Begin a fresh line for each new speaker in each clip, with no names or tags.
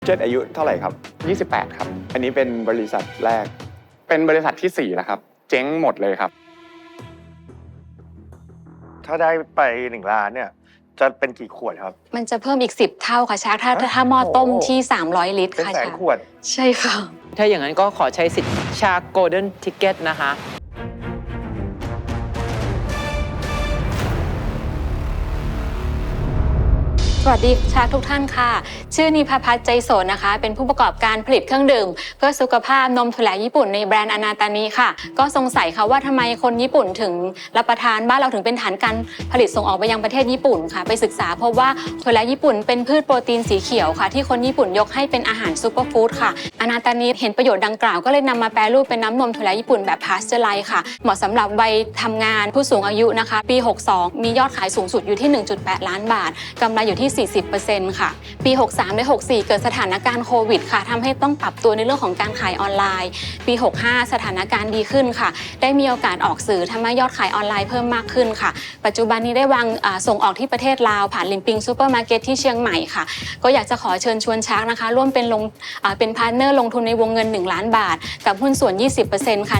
เจ็ดอายุเท่าไหร่ครับ
28ครับ
อันนี้เป็นบริษัทแรก
เป็นบริษัทที่4แล้วครับเจ๊งหมดเลยครับ
ถ้าได้ไป1 ล้านเนี่ยจะเป็นกี่ขวดครับ
มันจะเพิ่มอีก10 เท่าค่ะชาร์กถ้าหม้อต้มที่300 ลิตร
เป็น
ค่ะ
แสน
ชาร์ก
ขวด
ใช่ค่ะ
ถ้าอย่างนั้นก็ขอใช้สิทธิ์ชาโกลเด้นทิกเก็ตนะคะ
สวัสดีชาทุกท่านค่ะ ชื่อนิพาพัฒน์ใจโสนนะคะ เป็นผู้ประกอบการผลิตเครื่องดื่มเพื่อสุขภาพนมถั่วแหลญี่ปุ่นในแบรนด์อนาตานิค่ะก็สงสัยค่ะว่าทำไมคนญี่ปุ่นถึงรับประทานบ้านเราถึงเป็นฐานการผลิตส่งออกไปยังประเทศญี่ปุ่นค่ะไปศึกษาพบว่าถั่วแหลญี่ปุ่นเป็นพืชโปรตีนสีเขียวค่ะที่คนญี่ปุ่นยกให้เป็นอาหารซูเปอร์ฟู้ดค่ะอนาตานิเห็นประโยชน์ดังกล่าวก็เลยนำมาแปรรูปเป็นน้ำนมถั่วแหลญี่ปุ่นแบบพาสเจอร์ไลซ์ค่ะเหมาะสำหรับวัยทำงานผู้สูงอายุนะคะปี62มียอดขายสูงสุดอยู่ที่ 1.8 ล้านบาทกำไรอยู่ที่ 40%ค่ะปี 63 และ 64 เกิดสถานการณ์โควิดค่ะทำให้ต้องปรับตัวในเรื่องของการขายออนไลน์ปี 65 สถานการณ์ดีขึ้นค่ะได้มีโอกาสออกสื่อทำให้ยอดขายออนไลน์เพิ่มมากขึ้นค่ะปัจจุบันนี้ได้วางส่งออกที่ประเทศลาวผ่านลิมปิงซูเปอร์มาร์เก็ตที่เชียงใหม่ค่ะก็อยากจะขอเชิญชวนชาร์กนะคะร่วมเป็นพาร์ทเนอร์ลงทุนในวงเงิน1 ล้านบาทกับหุ้นส่วน 20% ค่ะ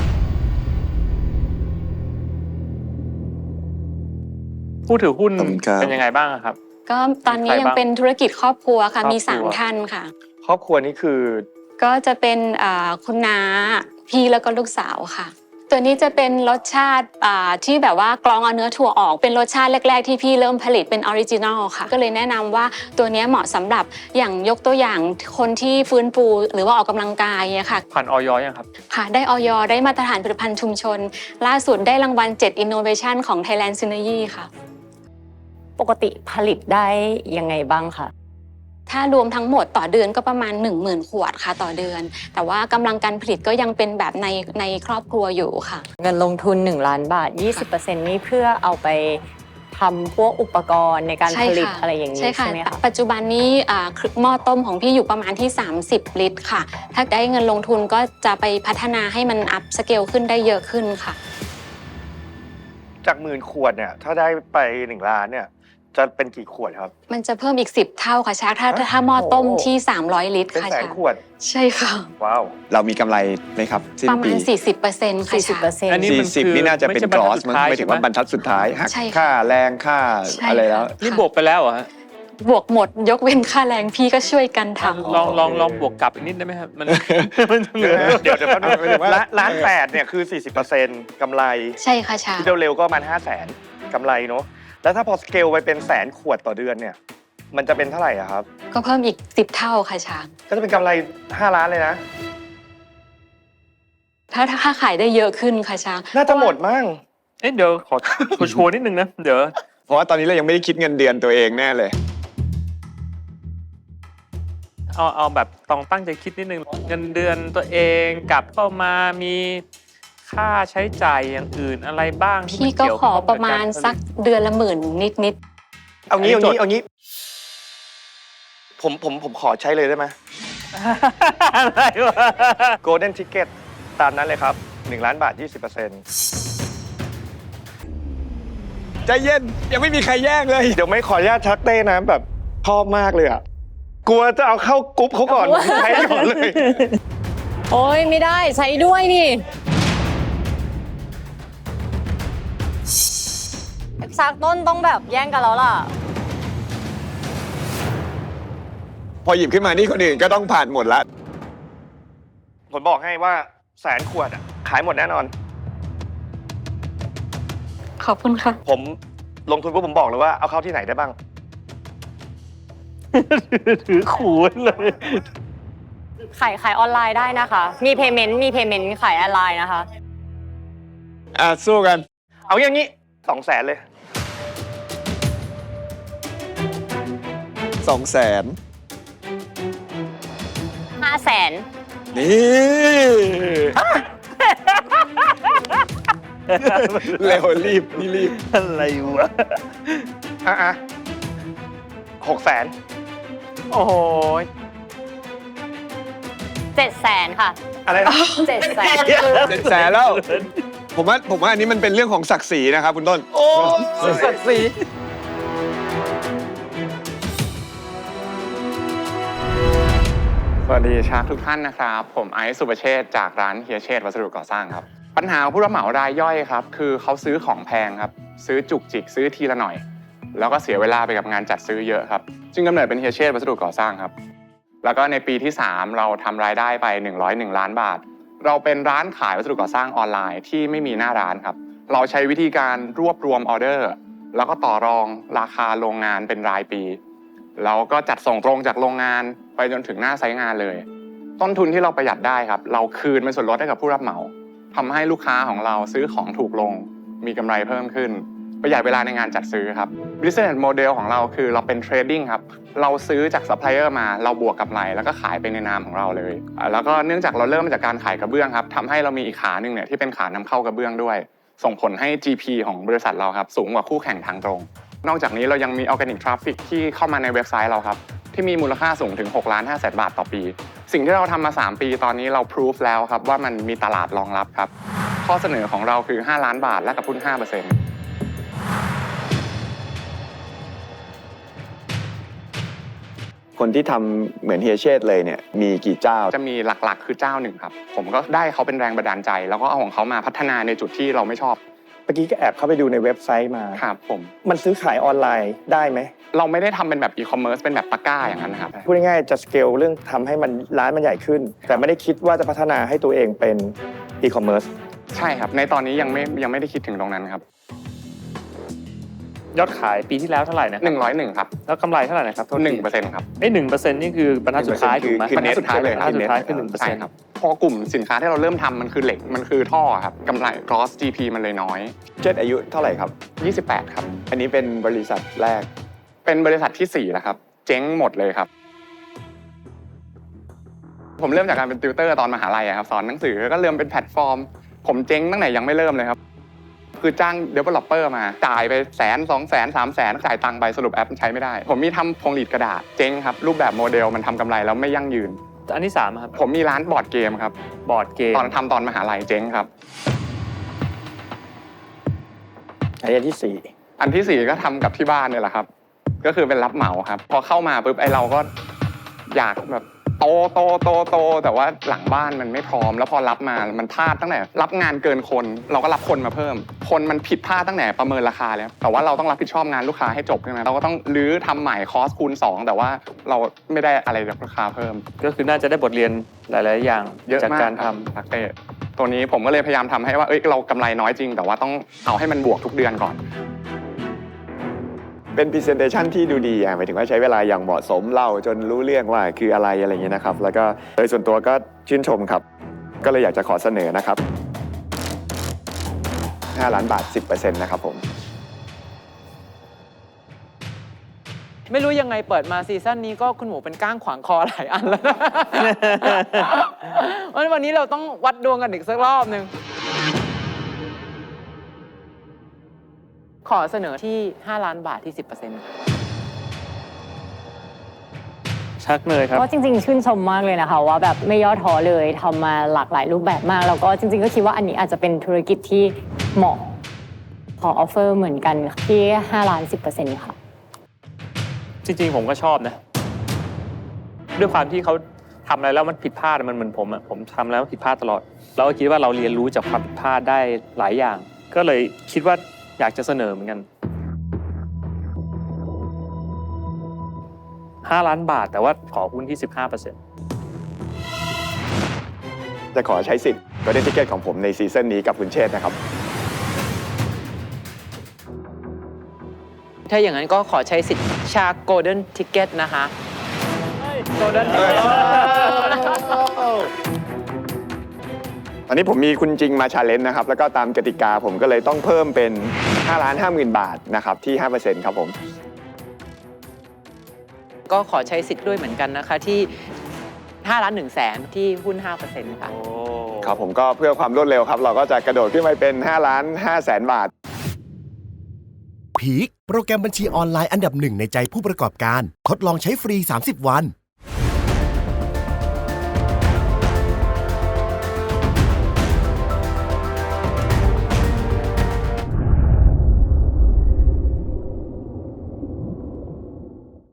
ผู้ถือหุ้น
ขอบคุณครับ
เป็นยังไงบ้างครับ
ก็ตอนนี้ยังเป็นธุรกิจครอบครัวค่ะมี3 ท่านค่ะ
ครอบครัวนี้คือ
ก็จะเป็นคุณน้าพี่แล้วก็ลูกสาวค่ะตัวนี้จะเป็นรสชาติที่แบบว่ากรองเอาเนื้อถั่วออกเป็นรสชาติแรกๆที่พี่เริ่มผลิตเป็นออริจินอลค่ะก็เลยแนะนำว่าตัวนี้เหมาะสำหรับอย่างยกตัวอย่างคนที่ฟื้นฟูหรือว่าออกกำลังกายเนี่ยค่ะ
ผ่านออยยังครับ
ค่ะได้อย.ได้มาตรฐานผลิตภัณฑ์ชุมชนล่าสุดได้รางวัล7 Innovation ของ Thailand Synergy ค่ะ
ปกติผลิตได้ยังไงบ้างคะ
ถ้ารวมทั้งหมดต่อเดือนก็ประมาณ 10,000 ขวดค่ะต่อเดือนแต่ว่ากำลังการผลิตก็ยังเป็นแบบในครอบครัวอยู่ค่ะ
เงินลงทุน1 ล้านบาท 20% นี่เพื่อเอาไปทำพวกอุปกรณ์ในการผลิตอะไรอย่างนี้ใช่ไหมคะ
ปัจจุบันนี้หม้อต้มของพี่อยู่ประมาณที่30 ลิตรค่ะถ้าได้เงินลงทุนก็จะไปพัฒนาให้มันอัพสเกลขึ้นได้เยอะขึ้นค่ะ
จาก10,000 ขวดเนี่ยถ้าได้ไป1 ล้านเนี่ยจะเป็นกี่ขวดครับ
มันจะเพิ่มอีก10 เท่าค่ะชาร์กถ้าหม้อต้มที่300 ลิตร
เป็น
ค่ะ
แสนขวด
ใช่ค่ะ
ว้าว
เรามีกำไรไหมครับสิ้น
ประมา
ปี
ณ 40%ค่ะชาร์ก
40%
อันนี้มันคือ
40นี่น่าจะเป็น
ไม่
ก
ใช่
รอสมั้ง
บรรทัดสุดท้าย
ไม่ถึงว่าบรรทัดสุดท้ายหัก
ใช่ค่ะ
ค่าแรงค่า
ใช่
อะไรแล้ว
ค่ะ
นี่บวกไปแล้วเหรอฮะ
บวกหมดยกเว้นค่าแรงพี่ก็ช่วยกันทำ
ลองบวกกลับอีกนิดได้ไหมครับมัน
เดี๋ยวแป๊บนึงล้าน8เนี่ยคือ 40% กำไร
ใช่ค่ะชาร์ก
ที่เร็วๆก็ประมาณ500,000 กำไรเนาะแล้วถ้าพอสเกลไปเป็นแสนขวดต่อเดือนเนี่ยมันจะเป็นเท่าไหร่อะครับ
ก็เพิ่มอีก10 เท่าค่ะชาร์ก
ก็จะเป็นกำไร5 ล้านเลยนะ
ถ้าขายได้เยอะขึ้นค่ะชาร์ก
น่าจะหมดมั้ง
เอ๊ะเดี๋ยวขอชัวร์นิดนึงนะเดี๋ยว
เพราะว่าตอนนี้เรายังไม่ได้คิดเงินเดือนตัวเองแน่เลย
เอาแบบต้องตั้งใจคิดนิดนึงเงินเดือนตัวเองกับเข้ามามีค่าใช้จ่ายอย่างอื่นอะไรบ้างที่
พี่ก็ขอประมาณสักเดือนละ10,000นิด
เอางี้ผมขอใช้เลยได้ไหม
อะไรวะ
Golden Ticket ตามนั้นเลยครับ1 ล้านบาท 20%
ใจเย็นยังไม่มีใครแย่งเลย
เดี๋ยวไม่ขออนุญาตชักเต้นะแบบชอบมากเลยอ่ะกลัวจะเอาเข้ากรุ๊ปเขาก่อนใช้ก่อนเลย
โอ้ยไม่ได้ใช้ด้วยนี่สักต้นต้องแบบแย่งกันแล้วล่ะ
พอหยิบขึ้นมานี่คนอื่นก็ต้องผ่านหมดละ
ผมบอกให้ว่าแสนขวดอ่ะขายหมดแน่นอน
ขอบคุณค่ะ
ผมลงทุนปุ๊บผมบอกเลยว่าเอาเข้าที่ไหนได้บ้าง
ถือขู่เลย
ขายออนไลน์ได้นะคะ มีเพย์เมนต์ขายออนไลน์นะคะ
สู้กัน
เอาอย่างนี้200,000เลย
200,000
500,000
นี่ เร็วรีบนี่รีบ
อะไรวะ
600,000
โอ้โห
700,000ค่ะ
อะไรนะ
700,000
700,000แล้ว ผมว่าอันนี้มันเป็นเรื่องของศักดิ์ศรีนะครับคุณต้น
โอ้ศักดิ์ศรี
สวัสดีชาร์กทุกท่านนะครับผมไอซ์สุประเชษฐ์จากร้านเฮียเชษฐ์วัสดุก่อสร้างครับปัญหาของผู้รับเหมารายย่อยครับคือเขาซื้อของแพงครับซื้อจุกจิกซื้อทีละหน่อยแล้วก็เสียเวลาไปกับงานจัดซื้อเยอะครับจึงกำเนิดเป็นเฮียเชษฐ์วัสดุก่อสร้างครับแล้วก็ในปีที่3เราทำรายได้ไป101ล้านบาทเราเป็นร้านขายวัสดุก่อสร้างออนไลน์ที่ไม่มีหน้าร้านครับเราใช้วิธีการรวบรวมออเดอร์แล้วก็ต่อรองราคาโรงงานเป็นรายปีแล้วก็จัดส่งตรงจากโรงงานไปจนถึงหน้าไซต์งานเลยต้นทุนที่เราประหยัดได้ครับเราคืนเป็นส่วนลดให้กับผู้รับเหมาทำให้ลูกค้าของเราซื้อของถูกลงมีกำไรเพิ่มขึ้นประหยัดเวลาในงานจัดซื้อครับ Business Model ของเราคือเราเป็น Trading ครับเราซื้อจากซัพพลายเออร์มาเราบวกกำไรแล้วก็ขายไปในนามของเราเลยแล้วก็เนื่องจากเราเริ่มมาจากการขายกระเบื้องครับทำให้เรามีอีกขาหนึ่งเนี่ยที่เป็นขานำเข้ากระเบื้องด้วยส่งผลให้ GP ของบริษัทเราครับสูงกว่าคู่แข่งทางตรงนอกจากนี้เรายังมี Organic Traffic ที่เข้ามาในเว็บไซต์เราครับที่มีมูลค่าสูงถึง6,500,000 บาทต่อปีสิ่งที่เราทำมา3ปีตอนนี้เราพิสูจแล้วครับว่ามันมีตลาดรองรับครับข้อเสนอของเราคือ5ล้านบาทและกับหุ้น 5%
คนที่ทำเหมือนเฮียเชษฐ์เลยเนี่ยมีกี่เจ้า
จะมีหลักๆคือเจ้าหนึ่งครับผมก็ได้เขาเป็นแรงบันดาลใจแล้วก็เอาของเขามาพัฒนาในจุดที่เราไม่ชอบ
เมื่อกี้ก็แอบเข้าไปดูในเว็บไซต์มา
ครับผม
มันซื้อขายออนไลน์ได้ไหม
เราไม่ได้ทำเป็นแบบอีคอมเมิร์ซเป็นแบบตะกร้าอย่างนั้นนะครับ
พูดง่ายๆจะสเกลเรื่องทำให้มันร้านมันใหญ่ขึ้นแต่ไม่ได้คิดว่าจะพัฒนาให้ตัวเองเป็นอีคอมเมิร์ซ
ใช่ครับในตอนนี้ยังไม่ได้คิดถึงตรงนั้นครับ
ยอดขายปีที่แล้วเท่าไหร่นะ
101ครับ
แล้วกำไรเท่าไหร่นะครับ
1%ครับ
1%นี่คือบรรทัดสุดท้ายถูกไหม
บรรทัดสุดท้ายเลย
บรรทัดสุดท้ายคือ
ใช่ครับพอกลุ่มสินค้าที่เราเริ่มทำมันคือเหล็กมันคือท่อครับกำไร gross GP มันเลยน้อย
เชษฐ์อายุเท่าไหร่ครับ
28ครับ
อันนี้เป็นบริษัทแรก
เป็นบริษัทที่4แล้วครับเจ๊งหมดเลยครับผมเริ่มจากการเป็นติวเตอร์ตอนมหาลัยครับสอนหนังสือก็เริ่มเป็นแพลตฟอร์มผมเจ๊งตั้งแต่ยังไม่เริ่มเลยครับคือจ้าง developer มาจ่ายไป100,000 200,000 300,000จ่ายตังค์ไปสรุปแอปมันใช้ไม่ได้ผมมีทำพวงหลีดกระดาษเจ๊งครับรูปแบบโมเดลมันทำกำไรแล้วไม่ยั่งยืน
อันที่3ครับ
ผมมีร้านบอร์ดเกมครับ
บอร์ดเกม
ตอนมหาลัยเจ๊งครับ
อัน
ที่4ก็ทำกับที่บ้านเนี่ยแหละครับก็คือเป็นรับเหมาครับพอเข้ามาปุ๊บเราก็อยากแบบโตแต่ว่าหลังบ้านมันไม่พร้อมแล้วพอรับมามันพลาดตั้งแต่รับงานเกินคนเราก็รับคนมาเพิ่มคนมันผิดพลาดตั้งแต่ประเมินราคาแล้วแต่ว่าเราต้องรับผิดชอบงานลูกค้าให้จบใช่ไหมเราก็ต้องรื้อทำใหม่คอสคูณ2แต่ว่าเราไม่ได้อะไรจากราคาเพิ่ม
ก็คือน่าจะได้บทเรียนหลายๆอย่างจากการทำ
ทักเตะตัวนี้ผมก็เลยพยายามทำให้ว่าเรากำไรน้อยจริงแต่ว่าต้องเอาให้มันบวกทุกเดือนก่อน
เป็น presentation ที่ดูดีหมายถึงว่าใช้เวลาอย่างเหมาะสมเล่าจนรู้เรื่องว่าคืออะไรอย่างเงี้ยนะครับแล้วก็โดยส่วนตัวก็ชื่นชมครับก็เลยอยากจะขอเสนอนะครับ5ล้านบาท 10% นะครับผม
ไม่รู้ยังไงเปิดมาซีซั่นนี้ก็คุณหมูเป็นก้างขวางคอหลายอันแล้ววันนี้เราต้องวัดดวงกันอีกสักรอบนึงขอเสนอที่5ล้านบาทที่ 10%
ชักเนยครับ
ก็จริงๆชื่นชมมากเลยนะคะว่าแบบไม่ย่อท้อเลยทำมาหลากหลายรูปแบบมากแล้วก็จริงๆก็คิดว่าอันนี้อาจจะเป็นธุรกิจที่เหมาะขอออฟเฟอร์เหมือนกันที่5ล้าน 10% ค่ะ
จริงๆผมก็ชอบนะด้วยความที่เขาทำอะไรแล้วมันผิดพลาดมันเหมือนผมทำแล้วผิดพลาดตลอดเราก็คิดว่าเราเรียนรู้จากความผิดพลาดได้หลายอย่างก็เลยคิดว่าอยากจะเสนอเหมือนกัน5ล้านบาทแต่ว่าขอหุ้นที่ 15%
จะขอใช้สิทธิ์Golden Ticketของผมในซีซั่นนี้กับคุณเชษฐ์นะครับ
ถ้าอย่างนั้นก็ขอใช้สิทธิ์ชา Golden Ticket นะคะ Golden Ticket
ตอนนี้ผมมีคุณจริงมา challenge นะครับแล้วก็ตามกติกาผมก็เลยต้องเพิ่มเป็น5,50,000 บาทนะครับที่ 5% ครับผม
ก็ขอใช้สิทธิ์ด้วยเหมือนกันนะคะที่5,100,000ที่หุ้น 5% ค่ะ
ครับผมก็เพื่อความรวดเร็วครับเราก็จะกระโดดขึ้นไปเป็น5,500,000 บาท
พีคโปรแกรมบัญชีออนไลน์อันดับ1ในใจผู้ประกอบการทดลองใช้ฟรี30 วัน